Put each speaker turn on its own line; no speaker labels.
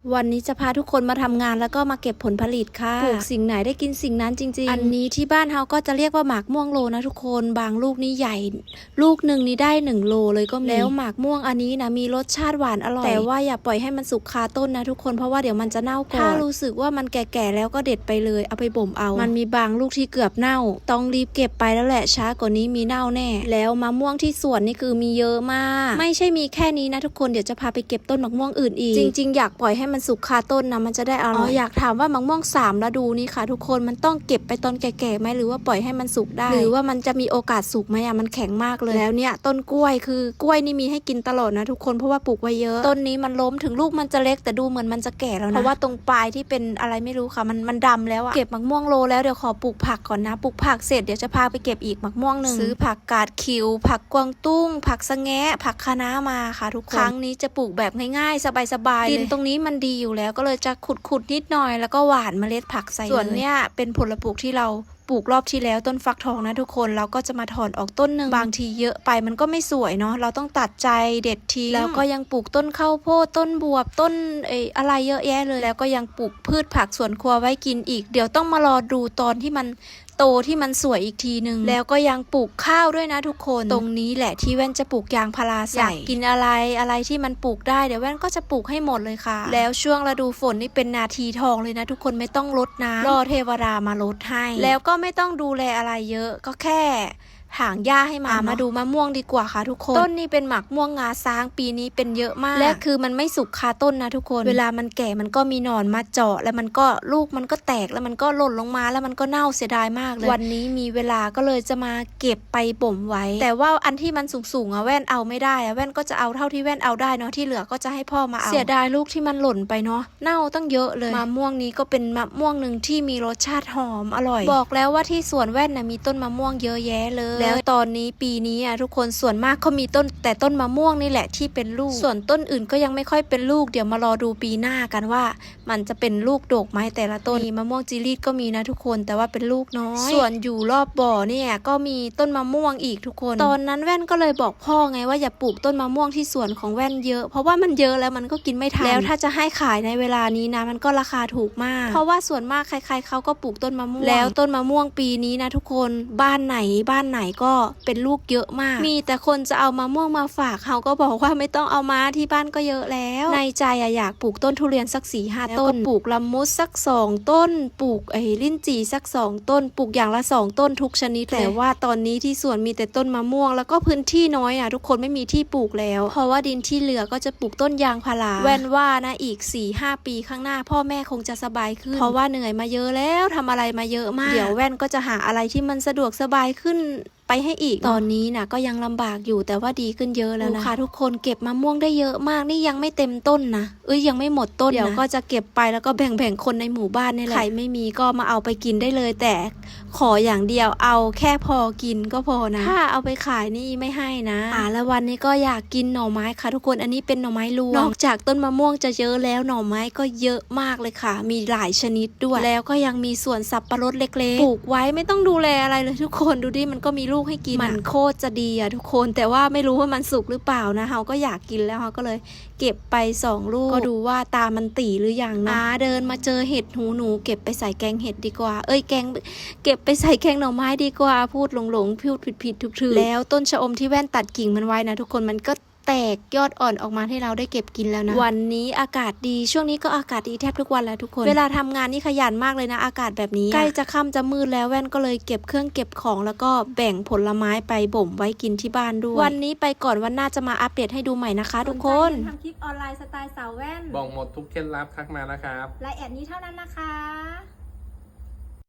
วันนี้จะพาทุกคนมาทำงานแล้วก็มาเก็บผลผลิตค่ะปลูกสิ่งไหนได้กินสิ่งนั้นจริงๆอันนี้ที่บ้านเขาก็จะเรียกว่าหมากม่วงโลนะทุกคนบางลูกนี่ใหญ่ลูกหนึ่งนี่ได้1 โลเลยก็มีแล้วหมากม่วงอันนี้นะมีรสชาติหวานอร่อยแต่ว่าอย่าปล่อยให้มันสุกคาต้นนะทุกคนเพราะว่าเดี๋ยวมันจะเน่าก่อนถ้ารู้สึกว่ามันแก่ๆแล้วก็เด็ดไปเลยเอาไปบ่มเอามันมีบางลูกที่เกือบเน่าต้องรีบเก็บไปแล้วแหละช้ากว่านี้มีเน่าแน่แล้วมะม่วงที่สวนนี่คือมีเยอะมากไม่ใช่มีแค่นี้นะทุกคนเดี๋ยวจะพาไปเก็บต้นมะม่วงอื่นอีกจริงๆอยากปล่อยให้มันสุกคาต้นนะมันจะได้อร่อยอยากถามว่ามะม่วง3ฤดูนี้ค่ะทุกคนมันต้องเก็บไปตอนแก่ๆไหมหรือว่าปล่อยให้มันสุกได้หรือว่ามันจะมีโอกาสสุกไหมอ่ะมันแข็งมากเลยแล้วเนี่ยต้นกล้วยคือกล้วยนี่มีให้กินตลอดนะทุกคนเพราะว่าปลูกไว้เยอะต้นนี้มันล้มถึงลูกมันจะเล็กแต่ดูเหมือนมันจะแก่แล้วนะเพราะว่าตรงปลายที่เป็นอะไรไม่รู้ค่ะมันดำแล้วอะเก็บมะม่วงโลแล้วเดี๋ยวขอปลูกผักก่อนนะปลูกผักเสร็จเดี๋ยวจะพาไปเก็บอีกมะม่วง1ซื้อผักกาดขิวผักกวางตุ้งผักสะแงะผักคะน้ามาค่ะทุกคนครั้งนี้จะปลูกแบบง่ายๆสบายๆดินตรงนี้มันดีอยู่แล้วก็เลยจะขุดนิดหน่อยแล้วก็หว่านเมล็ดผักใส่ส่วนเนี้ยเป็นผลปลูกที่เราปลูกรอบที่แล้วต้นฟักทองนะทุกคนเราก็จะมาถอนออกต้นหนึ่งบางทีเยอะไปมันก็ไม่สวยเนาะเราต้องตัดใจเด็ดทิ้งแล้วก็ยังปลูกต้นข้าวโพดต้นบวบต้นอะไรเยอะแยะเลยแล้วก็ยังปลูกพืชผักสวนครัวไว้กินอีกเดี๋ยวต้องมารอดูตอนที่มันโตที่มันสวยอีกทีนึงแล้วก็ยังปลูกข้าวด้วยนะทุกคนตรงนี้แหละที่แว่นจะปลูกยางพาราใส่กินอะไรที่มันปลูกได้เดี๋ยวแว่นก็จะปลูกให้หมดเลยค่ะแล้วช่วงฤดูฝนนี่เป็นนาทีทองเลยนะทุกคนไม่ต้องรดน้ำรอเทวดามารดให้แล้วก็ไม่ต้องดูแลอะไรเยอะก็แค่ถางหญ้าให้มาดูมะม่วงดีกว่าค่ะทุกคนต้นนี้เป็นหมากม่วงงาช้างปีนี้เป็นเยอะมากและคือมันไม่สุกคาต้นนะทุกคนเวลามันแก่มันก็มีหนอนมาเจาะแล้วมันก็ลูกมันก็แตกแล้วมันก็หล่นลงมาแล้วมันก็เน่าเสียดายมากเลยวันนี้มีเวลาก็เลยจะมาเก็บไปบ่มไว้แต่ว่าอันที่มันสูงอะแว่นเอาไม่ได้อะแว่นก็จะเอาเท่าที่แว่นเอาได้เนาะที่เหลือก็จะให้พ่อมาเอาเสียดายลูกที่มันหล่นไปเนาะเน่าตั้งเยอะเลยมะม่วงนี้ก็เป็นมะม่วงหนึ่งที่มีรสชาติหอมอร่อยบอกแล้วว่าที่สวนแว่นนะมีต้นมะม่วงเยอะแยะเลยแล้วตอนนี้ปีนี้อ่ะทุกคนส่วนมากเขามีต้นแต่ต้นมะม่วงนี่แหละที่เป็นลูกส่วนต้นอื่นก็ยังไม่ค่อยเป็นลูกเดี๋ยวมารอดูปีหน้ากันว่ามันจะเป็นลูกดกไหมแต่ละต้นมะม่วงจีรีดก็มีนะทุกคนแต่ว่าเป็นลูกน้อยส่วนอยู่รอบบ่อเนี่ยก็มีต้นมะม่วงอีกทุกคนตอนนั้นแว่นก็เลยบอกพ่อไงว่าอย่าปลูกต้นมะม่วงที่สวนของแว่นเยอะเพราะว่ามันเยอะแล้วมันก็กินไม่ทันแล้วถ้าจะให้ขายในเวลานี้นะมันก็ราคาถูกมากเพราะว่าส่วนมากใครๆเขาก็ปลูกต้นมะม่วงแล้วต้นมะม่วงปีนี้นะทุกคนบ้านไหนก็เป็นลูกเยอะมากมีแต่คนจะเอามะม่วงมาฝากเขาก็บอกว่าไม่ต้องเอามาที่บ้านก็เยอะแล้วในใจอยากปลูกต้นทุเรียนสัก4-5 ต้นปลูกละมุดสัก2 ต้นปลูกลิ้นจี่สัก2 ต้นปลูกอย่างละ2 ต้นทุกชนิดแต่ว่าตอนนี้ที่สวนมีแต่ต้นมะม่วงแล้วก็พื้นที่น้อยทุกคนไม่มีที่ปลูกแล้วเพราะว่าดินที่เหลือก็จะปลูกต้นยางพาราแว่นว่านะอีก 4-5 ปีข้างหน้าพ่อแม่คงจะสบายขึ้นเพราะว่าเหนื่อยมาเยอะแล้วทำอะไรมาเยอะมากเดี๋ยวแว่นก็จะหาอะไรที่มันสะดวกสบายขึ้นไปให้อีกตอนนี้นะก็ยังลำบากอยู่แต่ว่าดีขึ้นเยอะแล้วนะคะทุกคนเก็บมะม่วงได้เยอะมากนี่ยังไม่เต็มต้นนะยังไม่หมดต้นเดี๋ยวก็จะเก็บไปแล้วก็แบ่งคนในหมู่บ้านนี่แหละใครไม่มีก็มาเอาไปกินได้เลยแต่ขออย่างเดียวเอาแค่พอกินก็พอนะถ้าเอาไปขายนี่ไม่ให้นะแล้ววันนี้ก็อยากกินหน่อไม้ค่ะทุกคนอันนี้เป็นหน่อไม้รวงนอกจากต้นมะม่วงจะเยอะแล้วหน่อไม้ก็เยอะมากเลยค่ะมีหลายชนิดด้วยแล้วก็ยังมีสวนสับปะรดเล็กๆปลูกไว้ไม่ต้องดูแลอะไรเลยทุกคนดูดิมันก็มีลูกให้กินมันโคตรจะดีทุกคนแต่ว่าไม่รู้ว่ามันสุกหรือเปล่านะเราก็อยากกินแล้วเราก็เลยเก็บไป2 ลูกก็ดูว่าตามันตีหรือยังนะเดินมาเจอเห็ดหูหนูเก็บไปใส่แกงเห็ดดีกว่าแกงเก็บไปใส่แกงหน่อไม้ดีกว่าพูดหลงพูดผิดถูกแล้วต้นชะอมที่แว่นตัดกิ่งมันไว้นะทุกคนมันก็แตกยอดอ่อนออกมาให้เราได้เก็บกินแล้วนะวันนี้อากาศดีช่วงนี้ก็อากาศดีแทบทุกวันแล้วทุกคนเวลาทำงานนี่ขยันมากเลยนะอากาศแบบนี้ใกล้จะค่ำจะมืดแล้วแว่นก็เลยเก็บเครื่องเก็บของแล้วก็แบ่งผลไม้ไปบ่มไว้กินที่บ้านด้วยวันนี้ไปก่อนวันหน้าจะมาอัปเดตให้ดูใหม่นะคะทุกคน
ทำคลิปออนไลน์สไตล์สาวแว่น
บอกหมดทุกเคล็ดลับทักมานะครับ
รายแอดนี้เท่านั้นนะคะ